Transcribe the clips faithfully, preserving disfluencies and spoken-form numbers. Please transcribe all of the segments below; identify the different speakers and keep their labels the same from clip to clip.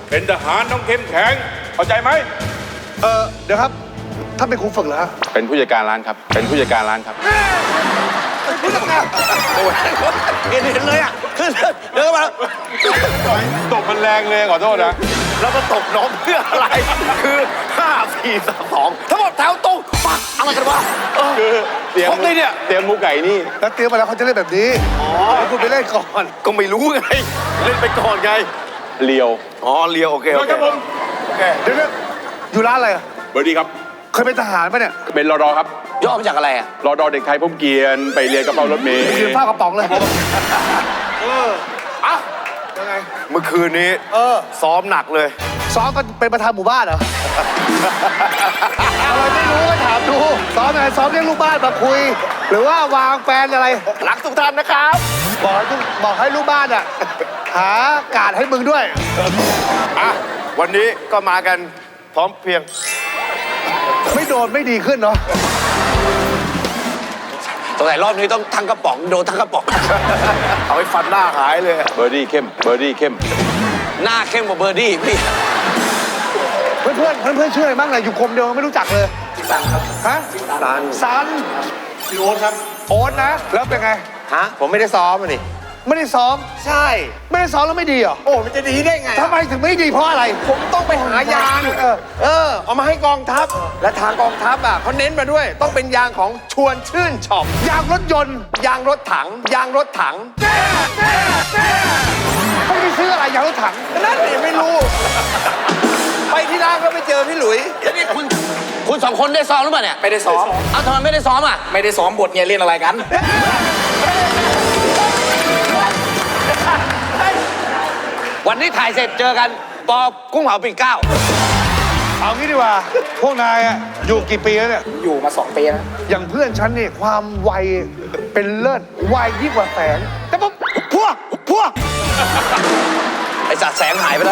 Speaker 1: เป็นทหารต้องเข้มแข็งเข้าใจไหม
Speaker 2: เออเดี๋ยวครับท่านเป็นครูฝึกเหรอฮะ
Speaker 1: เป็นผู้จัดการร้านครับเป็นผู้จัดการร้านครับ
Speaker 2: เป็นผู้จัดการ
Speaker 3: โอ้ยเห็นเห็นเลยอ่ะคือเดินมา
Speaker 1: ตบมันแรงเลยขอโทษนะ
Speaker 3: แล้วมาตบน้องเพื่ออะไร คือห้าสี่สามสองทั้งหมดแถวตรงปักอะไรกันวะ
Speaker 1: คือเตรียม
Speaker 3: ครบเลยเนี่ย
Speaker 1: เตรียมหมูไก่นี่
Speaker 2: แล้วเตรียมมาแล้วเขาจะเล่นแบบนี้อ๋อคุณไปเล่นก่อน
Speaker 3: ก็ไม่รู้ไง เล่นไปก่อนไง
Speaker 1: เลียว
Speaker 3: อ๋อเลียวโอเคโอเค
Speaker 1: ครับผม
Speaker 3: โอเค
Speaker 2: เดี๋ยวนะอยู่ร้านอะไรอะ
Speaker 1: เบอร์ดีครับ
Speaker 2: เคยเป็นทหารปะเนี่ย
Speaker 1: เป็นรอดอครับ
Speaker 3: ย่อมาจากอะไรอ่ะ
Speaker 1: รอดอเด็กไทยพบเกียรติไปเรียนกระเป๋ารถเมล์
Speaker 2: ยืนเฝ้ากระป๋องเลยเอออ่ะยังไง
Speaker 3: เมื่อคืนนี้
Speaker 2: เออ
Speaker 3: ซ้อมหนักเลย
Speaker 2: ซ้อมกันเป็นประธานหมู่บ้านเหรอ อะไรไม่รู้ก็ถามดูซ้อมอะไรซ้อมเรียกลูกบ้านมาคุย หรือว่าวางแปลนอะไร
Speaker 3: รักทุกท่านนะครับ
Speaker 2: บอกให้ลูกบอกให้ลูกบ้านอ่ะหาการให้มึงด้วย
Speaker 3: อ่ะวันนี้ก็มากันพร้อมเพรียง
Speaker 2: ไม่โดนไม่ดีขึ้นเนาะ
Speaker 3: สงสัยรอบนี้ต้องทั้งกระป๋องโดนทั้งกระป๋อง เอาไปฟันหน้าหายเลย
Speaker 1: เบอร์ดี้เข้มเบอร์ดี้เข้ม
Speaker 3: หน้าเข้มกว่าเบอร์ดี้พี่
Speaker 2: เพื่อนเพื่อนเพื่อนเพื่อนชื่ออะไรบ้างเนี่ยอยู่กรมเดียวไม่รู้จักเลยซันครับฮะซันซันโอ๊ตครับโอ๊ตนะแล้วเป็นไง
Speaker 3: ฮะ ผมไม่ได้ซ้อมอ่ะนี่
Speaker 2: ไม่ได้ซ้อม
Speaker 3: ใช่
Speaker 2: ไม่ได้ซ้อมแล้วไม่ดีเหรอ
Speaker 3: โอ้มันจะดีได้ไง
Speaker 2: ทำไมถึงไม่ดีเพราะอะไร
Speaker 3: ผมต้องไปหายาง
Speaker 2: เออ
Speaker 3: เออ เอามาให้กองทัพ และทางกองทัพอ่ะเขาเน้นมาด้วย ต้องเป็นยางของชวนชื่นช็อป
Speaker 2: ยางรถยนต์
Speaker 3: ยางรถถัง ยางรถถัง
Speaker 2: ไม่ได้ซื้ออะไรยางรถถัง
Speaker 3: นั่นเองไม่รู้ ไปที่ร้านก็ไปเจอพี่หลุยนี่คุณ คุณสองคนได้ซ้อมหรือเปล่าเนี่ย ไม่ได้ซ้อม เอาทำไมไม่ได้ซ้อมอ่ะ ไม่ได้ซ้อมบทเนี่ยเล่นอะไรกัน วันนี้ถ่ายเสร็จเจอกันปอกุ้งเผาปีเก้า
Speaker 2: เอางี้ดีกว่า พวกนายอะอยู่กี่ปีแล้วเนี่ย
Speaker 3: อยู่มาสองปีนะ
Speaker 2: อย่างเพื่อนฉันนี่ความไวเป็นเลิศไวยิ่งกว่าแสง แต่ปุ๊บพวกพวก
Speaker 3: ไอสัตว์แสงหายไปแล้ว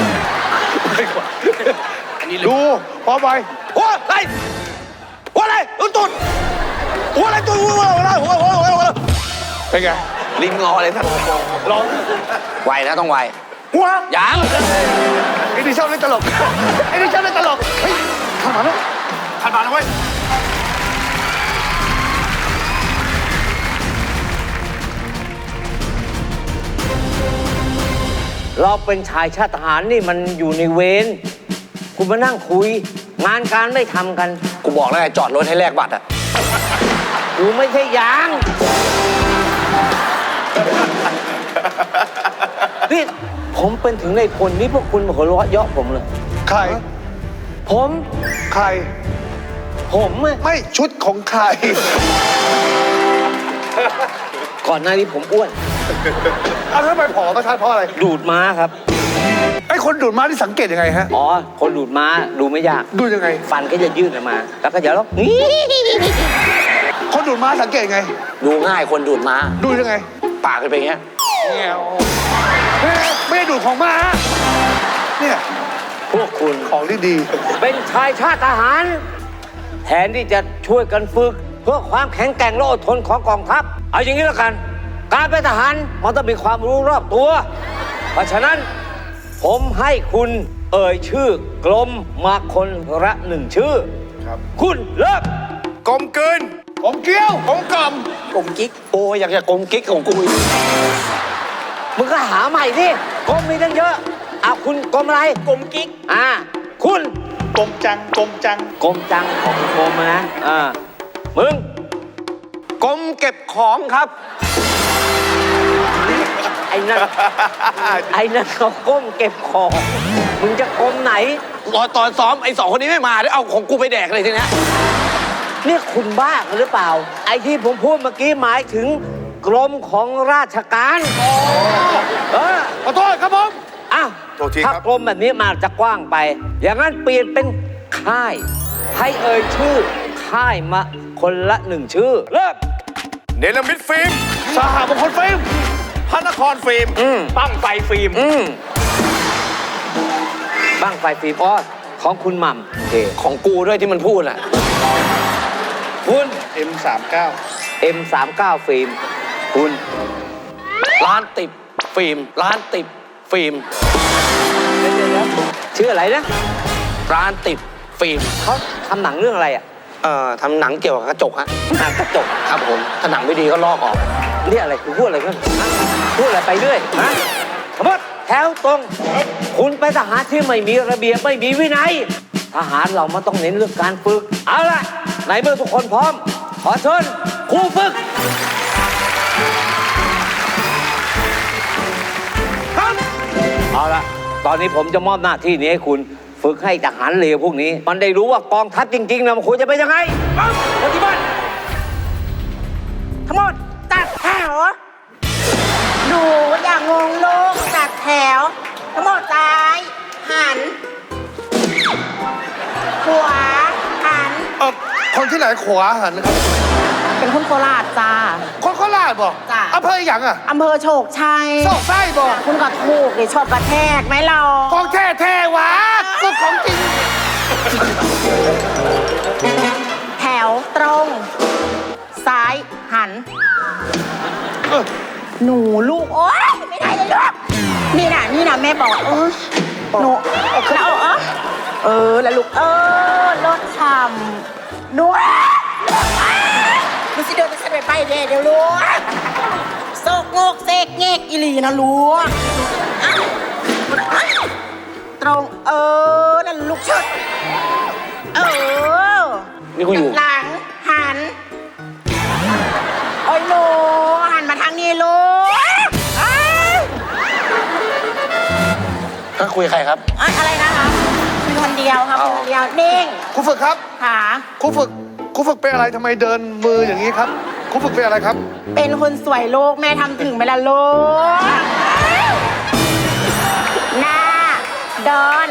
Speaker 2: ดูพอไป
Speaker 3: หัวอะไรหัวอะไรตุ้นตุ้นหัวอะไรตุ้นหัวอะไรหัวหัวหัวหัว
Speaker 2: เป็นไง
Speaker 3: ลิงงอเลยท่านร้องไวนะต้องไว
Speaker 2: หัว
Speaker 3: ยัง
Speaker 2: ไอ้นี่ชอบเล่นตลกไอ้นี่ชอบเล่นตลกเฮ้ยขันมาแล้ว
Speaker 3: ขันมาแล้วเว้ย
Speaker 4: เราเป็นชายชาติทหารนี่มันอยู่ในเวรคุณมานั่งคุย งานการไม่ทำกัน
Speaker 3: กูบอกแล้วไงจอดรถให้แลกบัตรอ่ะ
Speaker 4: กูไม่ใช่ยางนี่ผมเป็นถึงในพลนี่พวกคุณมาหัวเราะเยาะผมเลย
Speaker 2: ใคร
Speaker 4: ผม
Speaker 2: ใคร
Speaker 4: ผมอะ
Speaker 2: ไม่ชุดของใคร
Speaker 4: ก่อนหน้านี้ผมอ้วน
Speaker 2: เอาแล้วทำไมผอมประทานเพราะอะไร
Speaker 4: ดูดม้าครับ
Speaker 2: ไอ้คนดูดม้าที่สังเกตยังไงฮะ
Speaker 4: อ๋อ คนดูดม้าดูไม่ยาก
Speaker 2: ดูยังไง
Speaker 4: ฟันก็จะยืดออกมา แล้วก็จะร้อง
Speaker 2: คนดูดม้าสังเกตยังไง
Speaker 3: ดูง่ายคนดูดม้า
Speaker 2: ดูยังไง
Speaker 3: ปากเป็นอย่างเงี้ย
Speaker 2: ไม่ได้ไม่ได้ดูดของม้าเนี่ย
Speaker 4: พวกคุณ
Speaker 2: ของที่ดี
Speaker 4: เป็นชายชาติทหาร แทนที่จะช่วยกันฝึก เพื่อความแข็งแกร่งและอดทนของกองทัพ เอาอย่างนี้แล้วกัน การเป็นทหารมันต้องมีความรู้รอบตัว เพราะฉะนั้นผมให้คุณเอ่ยชื่อกลมมาคนละหนึ่งชื่อ
Speaker 2: ครับ
Speaker 4: คุณเลิก
Speaker 3: กลมกลืน
Speaker 2: ผมเกี้ยว
Speaker 3: กลมกล่อมกลมกิ๊ก โอ้ยอยากจะกลมกิ๊กของกูอีก
Speaker 4: มึงก็หาใหม่สิกลมมีตั้งเยอะอ่ะคุณกลมอะไร
Speaker 3: กลมกิ๊ก
Speaker 4: อ่าคุณ
Speaker 2: กลมจังกลมจัง
Speaker 4: กลมจังของกลมนะอ่ามึง
Speaker 3: กลมเก็บของครับ
Speaker 4: ไอ้นั่น ไอ้นั่นเขาก้มเก็บของ มึงจะก้มไหน
Speaker 3: รอตอนซ้อมไอ้สองคนนี้ไม่มาเดี๋ยวเอาของกูไปแดกเลยทีเนี้ย
Speaker 4: เนี่ยคุณบ้ากันหรือเปล่า ไอ้ที่ผมพูดเมื่อกี้หมายถึงกรมของราชการเออ
Speaker 2: ขอโทษครับผม
Speaker 4: อ้าว
Speaker 3: โทษทีครับ
Speaker 4: ถ้ากรมแบบนี้มาจะกว้างไป อย่างนั้นเปลี่ยนเป็นค่าย ให้เอ่ยชื่อ ค่ายมาคนละหนึ่งชื่อ เริ่ม
Speaker 3: เนลมิดฟิล์ม
Speaker 2: สหมงคลฟิล์ม
Speaker 3: พระนครฟิล์ม
Speaker 4: อืม
Speaker 3: ตั้งไฟฟิล์ม
Speaker 4: อืมบ้างไฟฟิล์มออสของคุณหม่ำโอเค
Speaker 3: ของกูด้วยที่มันพูดอ่ะ
Speaker 4: คุณ
Speaker 2: เอ็มสามเก้า
Speaker 4: เอ็มสามเก้า ฟิล์ม คุณ
Speaker 3: ร้านติดฟิล์ม ร้านติดฟิล์ม
Speaker 4: ชื่ออะไรนะ
Speaker 3: ร้านติดฟิล์ม
Speaker 4: เขาทำหนังเรื่องอะไรอ่ะ
Speaker 3: เอ่อทำหนังเกี่ยวกับกระจกฮะ
Speaker 4: หนังกระจก
Speaker 3: ครับผมถ้าหนังไม่ดีก็ลอกออก
Speaker 4: เรียกอะไรคุณพูดอะไรกันฮะพูดอะไรไปเรื่อยฮะทั้งหมดแถวตรง คุณไปทหารที่ไม่มีระเบียบไม่มีวินัย ทหารเรามันต้องเน้นเรื่องการฝึก เอาล่ะในเมื่อทุกคนพร้อม ขอเชิญครูฝึกครับเอาล่ะ ตอนนี้ผมจะมอบหน้าที่นี้ให้คุณฝึกให้ทหารเลวพวกนี้ มันได้รู้ว่ากองทัพจริงๆนะมันควรจะเป็นยังไงปฏิบัติ
Speaker 5: ทั้งหมดจัดแถวดูอย่างงงลูกจัดแถว ทั้งหมดซ้ายหัน ขวาหัน
Speaker 2: เออคนที่ไหนขวาหันครับ
Speaker 5: เป็นคนโคราชจ้า
Speaker 2: คนโคราชบอก
Speaker 5: จ้ะ
Speaker 2: อำเภออย่างอ่ะ
Speaker 5: อำเภอโชคชัย
Speaker 2: โซกไส้บอก
Speaker 5: คุณก็ถูกดิชอบกระแทกไหมเรา
Speaker 2: ของแท้แท้หวะก็ของจริง
Speaker 5: แถวตรง ซ้ายหัน
Speaker 2: เออ
Speaker 5: หนูลูก โอ๊ยไม่ได้เลยลูกนี่นะนี่นะแม่บอกเออหนูแล้วเออเออแล้วลูกเออรถฉ่ำหนูดูสิเดินจะเสด็จไปเดี๋ยวเดี๋ยวลูกโซกโงกเซกเงกอีหลีนะลูกตรงเออนั่นลูกชุดเออ
Speaker 3: นี่กูอยู่
Speaker 5: หลังหันโอ้ยลูกหันมาทางนี้ลูกเอ้ย
Speaker 3: ก็คุยกับใครครับ
Speaker 5: เอ้ยอะไรนะคะคือคนเดียวครับ
Speaker 3: เอา
Speaker 5: คนเดียวนิ่ง
Speaker 2: ครูฝึกครับ
Speaker 5: ขา
Speaker 2: ครูฝึกครูฝึกเป็นอะไรทำไมเดินมืออย่างนี้ครับครูฝึกเป็นอะไรครับ
Speaker 5: เป็นคนสวยลูกแม่ทำถึงไหมล่ะลูกหน้าเดิน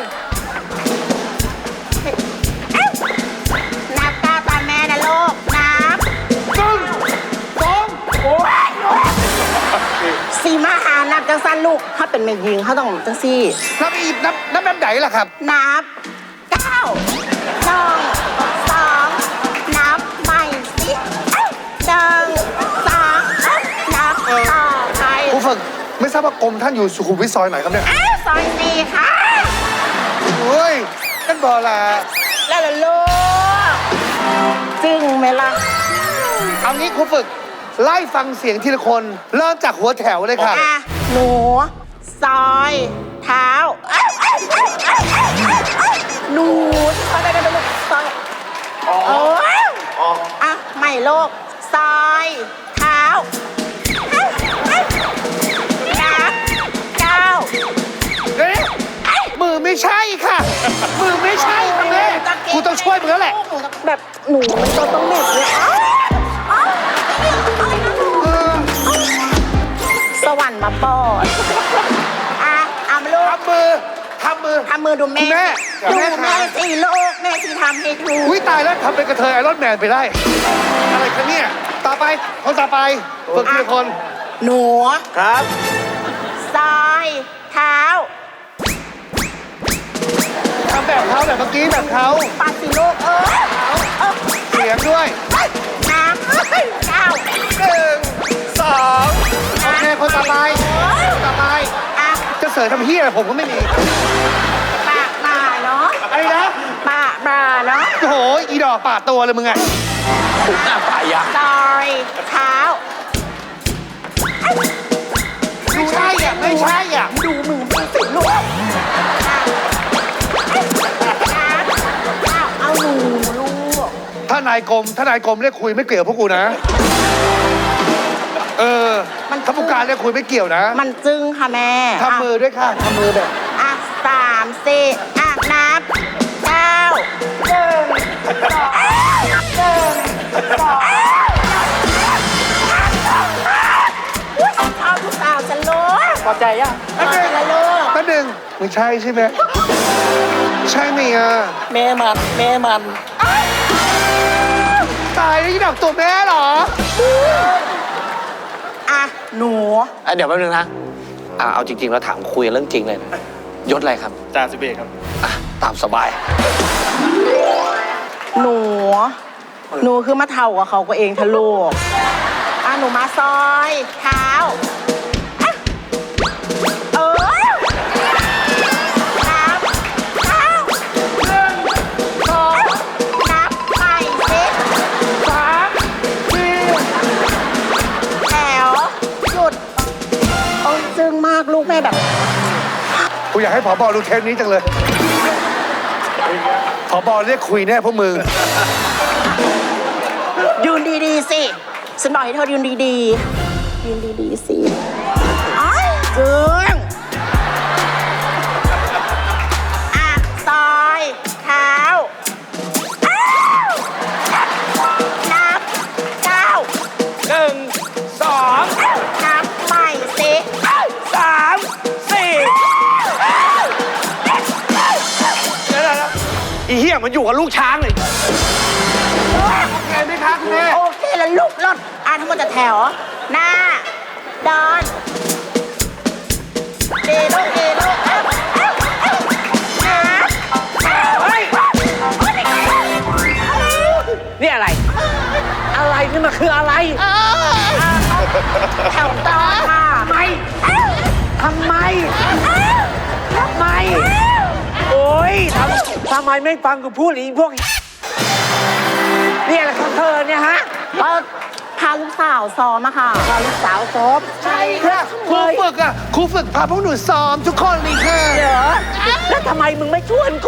Speaker 5: เอ้านับก้าวตามแม่นะลูกนับ
Speaker 2: หนึ่งสอง
Speaker 5: โอ้ยสีมาหานับจังสั้นลูกถ้าเป็นแม่ยิงเขาต้องจังซี่
Speaker 2: นับอีกนับนับแบบไหนล่ะครับ
Speaker 5: นับเก้าหนึ่งสองนับใหม่สิเอ้ยหนึ่งสองเอ้ยนับต่อไป
Speaker 2: ครูฝึกไม่ทราบว่ากรมท่านอยู่สุขุมวิทซอยไหนครับเนี่ย
Speaker 5: อ้าวซอยสี่ค่ะ
Speaker 2: เฮ้ยนั่นบอละ
Speaker 5: แล้วล่ะลูกจึงไหมล่ะ
Speaker 2: เอางี้ครูฝึกไล่ฟังเสียงทีละคนเริ่มจากหัวแถวเลยค่ะ
Speaker 5: อ่ะหนูซอยเท้าเอ้ยเอ้ยเอ้ยเอ้ยเอ้ยเอ้ยหนูซอยไปไปไปลูกซอยโอ้ยอ่ะใหม่ลูกซอยเท้าเอ้ยเอ้ยนับเก้า
Speaker 2: เอ๊ะมือไม่ใช่ค่ะ มือไม่ใช่ค่ะแม่กูต้องช่วยมึงแล้วแหละ
Speaker 5: แบบหนูมันตัวต้องเหน็บเลยอ้าวอ้าว
Speaker 2: เอ
Speaker 5: อ้าว
Speaker 2: อ
Speaker 5: สวรรค์มาปอดอ่ะเอามาลูก
Speaker 2: ทำมือทำมือ
Speaker 5: ทำมือดูแม่
Speaker 2: คุณแม่
Speaker 5: ดู
Speaker 2: แม่
Speaker 5: แม่
Speaker 2: คะ
Speaker 5: สิลูกแม่ที่ทำให้ดู
Speaker 2: อุ้ยตายแล้วทำเป็นกระเทยไอรอนแมนไปได้ อะไรคะเนี่ยต่อไปคนต่อไปฝึกทีละคน
Speaker 5: หนู
Speaker 2: ครับ
Speaker 5: ซอยเท้า
Speaker 2: ทำแบบเขาแบบเมื่อกี้แบบเขา
Speaker 5: ปาสิลูกเออเออ
Speaker 2: เสียงด้วย
Speaker 5: น้ำเก้า
Speaker 2: หนึ่งสองโอเคคนต่อไปคนต่อไป
Speaker 5: อ่ะ
Speaker 2: จะเสริมทำเฮียอะไรผมก็ไม่มี
Speaker 5: ปากบ่าเนาะ
Speaker 2: อะไรนะ
Speaker 5: ปากบ่าเนาะ
Speaker 2: โอ้โหอีดอกปาดตัวเลยมึงไง
Speaker 3: ผมหน้าป่ายา
Speaker 5: ซอยเท้า
Speaker 2: ไม่ใช่อ่ะไม่ใช่อ่ะ
Speaker 5: ดูมือมันสิลูกเอาเอาหนูลูก
Speaker 2: ถ้านายกรมถ้านายกรมเรียกคุยไม่เกี่ยวพวกกูนะ เออถ้าผู้การเรียกคุยไม่เกี่ยวนะ
Speaker 5: มันจึ้งค่ะแม่
Speaker 2: ทำมือด้วยค่ะทำมือแบบ
Speaker 5: อ่ะสามสี่อ่ะนับเก้าหนึ่งสองหนึ่งสองเอาทุกสาวฉันรู้
Speaker 3: พอใจยัง
Speaker 5: เอาไปละลูก
Speaker 2: แป๊บหนึงไม่ใช่ใช่ไหมใช่ไหมอ่ะ
Speaker 3: แม่มันแม่มัน
Speaker 2: ตายแล้วอีดอกตัวแม่เหรอ
Speaker 5: อ่ะหนู
Speaker 3: อ่ะเดี๋ยวแป๊บนึงนะอ่ะเอาจริงๆแล้วถามคุยเรื่องจริงเลยนะยศอะไรครับ
Speaker 1: จ่าสิบเอกครับ
Speaker 3: อ่ะตามสบาย
Speaker 5: หนู หนูคือมาเท่ากับเขาก็เองทะลูกอ่ะหนูมาซอยเท้าอ่ะเออนัจึ้งมากลูกแม่แบบ
Speaker 2: กูอยากให้ผบดูเทปนี้จังเลยผบเรียกคุยแน่พวกมึง
Speaker 5: ยืนดีๆสิฉันบอกให้เธอยืนดีๆยืนดีๆสิอ้ายจึ้งอ่ะซอยเท้าอ้าวนับเก้า
Speaker 4: หนึ่งสอง
Speaker 5: นับใหม่สิ
Speaker 4: สามสี่
Speaker 2: อีเหี้ยมันอยู่กับลูกช้างเลยโอเคไหมคะคุณแม่
Speaker 5: โอเคแล้วลูกรถอ่ะทั้งหมดจะแถว หน้าเดินเดโลเดโลเอ้าเอ้าเอ้านับเฮ้ย
Speaker 4: นี่อะไร อะไรนี่มันคืออะไร
Speaker 5: แถวต่อค่ะ
Speaker 4: ทำไมทำไมทำไม โอ๊ยทำทำไมไม่ฟังกูพูดอีกพวกนี่อะไรของเธอเนี่ยฮะ
Speaker 5: ก็พาลูกสาวซ้อมอะค่ะ
Speaker 4: พาลูกสาวซ้อม
Speaker 5: ใช่
Speaker 2: ค่ะครูฝึกอ่ะครูฝึกพาพวกหนูซ้อมทุกคนเลยค่ะ
Speaker 4: เหรอแล้วทำไมมึงไม่ชวนกู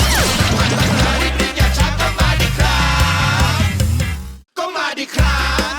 Speaker 6: ก็มาดิครับ